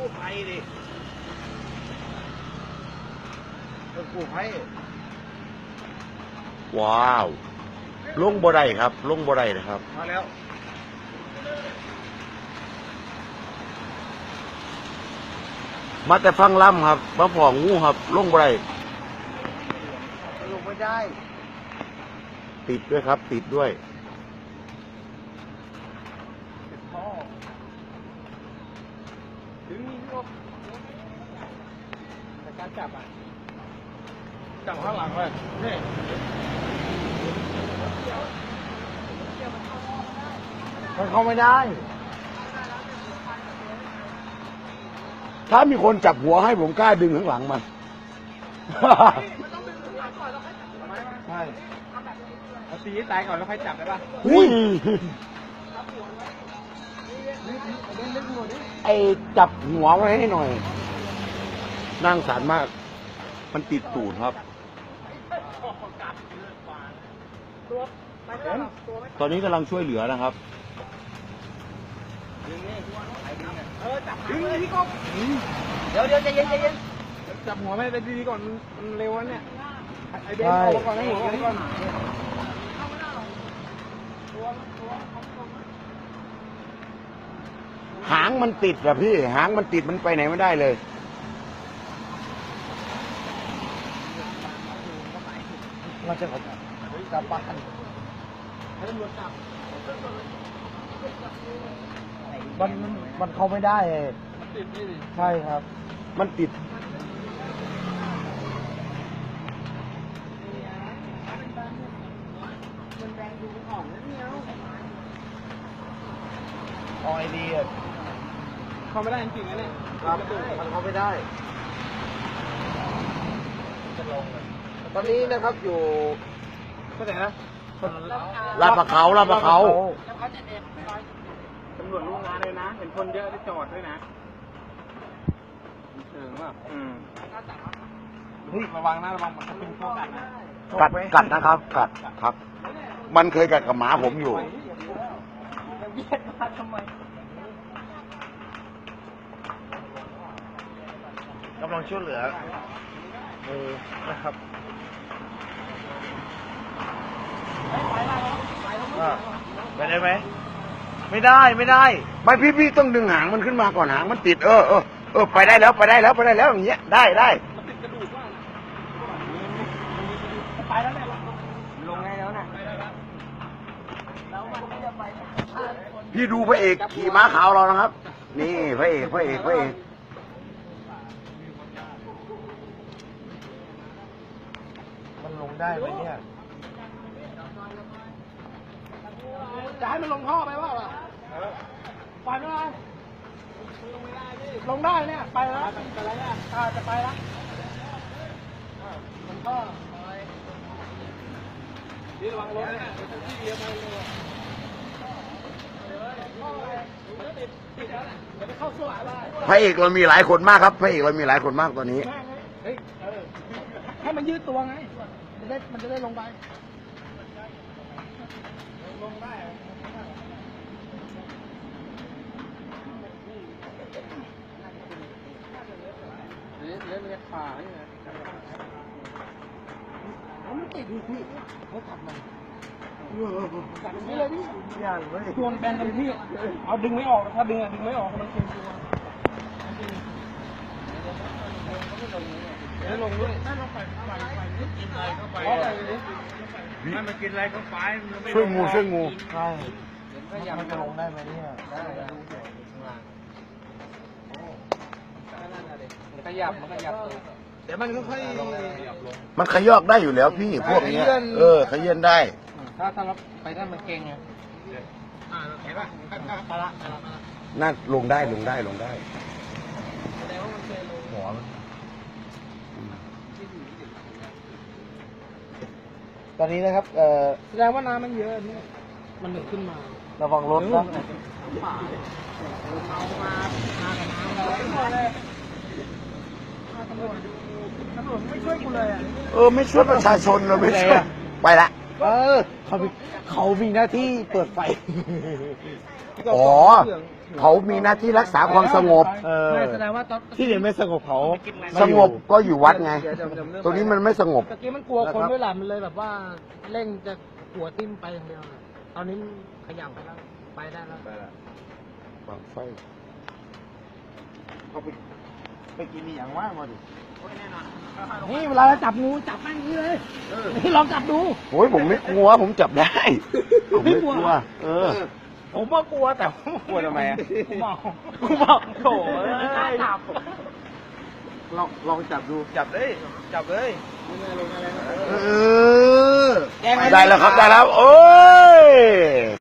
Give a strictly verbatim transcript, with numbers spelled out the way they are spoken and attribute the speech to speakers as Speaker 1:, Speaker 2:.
Speaker 1: ภัยดิต้องกู้ภัย
Speaker 2: ว้าวลงบ่ได้ครับลงบ่ได้นะครับ
Speaker 1: มาแล้ว
Speaker 2: มาแต่ฟังล่ำครับมาผ่องงูครับลงบ่ได้
Speaker 1: ลงไม่ได้
Speaker 2: ติดด้วยครับติดด้วย
Speaker 1: พ่อถึงนี่พี่แต่การจับอ่ะจับข้างหลังเลยนี่มันเข้าไม่ได้
Speaker 2: ถ้ามีคนจับหัวให้ผมกล้าดึงข้างหลังมัน
Speaker 1: ใช่เอาตีให้ตายก่อนแล้วค่อยจับได้ป่ะ
Speaker 2: อุ้ยไอจับหัวไว้ให้หน่อยนั่งสารมากมันติดตูดครับตอนนี้กำลังช่วยเหลือนะครับ
Speaker 1: ดึงเลยพี่กบเดี๋ยวเดี๋ยวใจเย็นใจเย็นจับหัวไม่ไปดีๆก่อนมันเร็วเนี่ยไอเบนออกก่อนให้หัวออกก่อน
Speaker 2: หางมันติดอะพี่หางมันติดมันไปไหนไม่ได้เลย
Speaker 1: เราจะกลับบ้านให้ตำรวจจับมันมันเข้าไม่ได้มันติดนี่ใช่ครับ
Speaker 2: มันติด
Speaker 1: มันแรงดูอ่อนนะเนี่ยออยดีอ่ะเข้าไม่ได้จริงๆนะเนี่ยครับมันเข้าไม่ได้จะลงตอนนี้นะครับอยู่ที่ไหนนะ
Speaker 2: ลาดปะเขาลาดปะเขา
Speaker 1: ตำรวจรู้งานเลยนะเห็นคนเยอะที่จอดด้วยนะเชิงว่าอืมเฮ้ยระวังนะระวังมันจะเป็นพวกกัดนะ
Speaker 2: กัดกัดนะครับกัดครับมันเคยกัดกับหมาผมอยู่
Speaker 1: เบียดมาทำไมกำลังช่วยเหลือเออนะครับไปได้ไหมไม่ได้ไม่ได้
Speaker 2: ไม่พี่พี่ต้องดึงหางมันขึ้นมาก่อนหางมันติดเออเออเออไปได้แล้วไปได้แล้วไปได้แล้วอย่างเงี้ยได้ได้
Speaker 1: ไปแล้วเนี่ยลงไงแล้วนะ
Speaker 2: พี่ดูพระเอกขี่ม้าขาวเรานะครับนี่พระเอกพระเอกพระเอก
Speaker 1: มันลงได้ไหมเนี่ยจะให้มันลงท่อไปว่าไปไม่ได้ลงได้เนี่ยไปแล้วไปแล้วเนี่ยจะไปแล้วลงท่อนี่ระวังรถเนี่ยที่เลี้ยวไปเลย
Speaker 2: พระเอกเรามีหลายคนมากครับพระเอกเรามีหลายคนมากตอนนี้
Speaker 1: เฮ้ยให้มันยืดตัวไงจะได้มันจะได้ลงไปลงได้เล่นเล่นขานี่นะมันติดอยู่พี่เขาขับมาขับนี่เลยพี่อย่างเลยชวนแบนกันพี่เอาดึงไม่ออกถ้าดึงอ่ะดึงไม่ออกมันเค็มตัวไม่ลงด้วยถ้าลงไปไปไปกินอะไรเข้าไปถ้ามันกินอะไรเข้าไป
Speaker 2: ช่วยงูช่วยงู
Speaker 1: ใช่มันจะลงได้ไหมเนี่ยได้มันขยับมันขยับเดี๋ยวมันค่อย
Speaker 2: มันขยอกได้อยู่แล้วพี่พวกนี้เออขยื่นได้
Speaker 1: ถ้าถ้าเราไปได้มันเก่งไงเห็นป่ะไปละ
Speaker 2: น่าลงได้ลงได้ลงได้หัว
Speaker 1: ตอนนี้นะครับเอ่อแสดงว่าน้ำมันเยอะนี่มันหนึ่งขึ้นมาระวังรถนะป่าเอามามากับน้ำเลยตำรวจตำรวจไม่ช่วยกูเลยอ่ะ
Speaker 2: เออไม่ช่วยประชาชนเลยไม่ช่วยไปละ
Speaker 1: เออเขาเขามีหน้าที่เปิดไฟ
Speaker 2: อ๋อเขามีหน้าที่รักษาความสงบ
Speaker 1: เออแสดงว่าตอน
Speaker 3: ที่เดี๋ยวไม่สงบเขา
Speaker 2: สงบก็อยู่วัดไง ตรงนี้มันไม่สงบ
Speaker 1: ตะกี้มันกลัวคนด้วยแหละมันเลยแบบว่าเร่งจะหัวทิ่มไปอย่างเดียวน่ะตอนนี้มันขยับไปแล้วไปได้แล้ว
Speaker 2: วางไฟ
Speaker 3: เขาไปไปกินนี่อย่างว่างมาดิ
Speaker 1: นี่เวลาเราจับงูจับแม่งนี้เลยนี่ลองจับดู
Speaker 2: โอ้ยผมไม่กลัว ผมจับได้ ผมไม่กลัว เออ
Speaker 1: ผมก็กลัวแต่
Speaker 3: กลัวทำไมอ่ะ
Speaker 1: กูบอกกูบอกโถ่
Speaker 3: ไม่กล้าจับ ลองลองจับดูจับเลยจับเลย
Speaker 2: เออ ได้แล้วครับ ได้แล้ว โอ้ย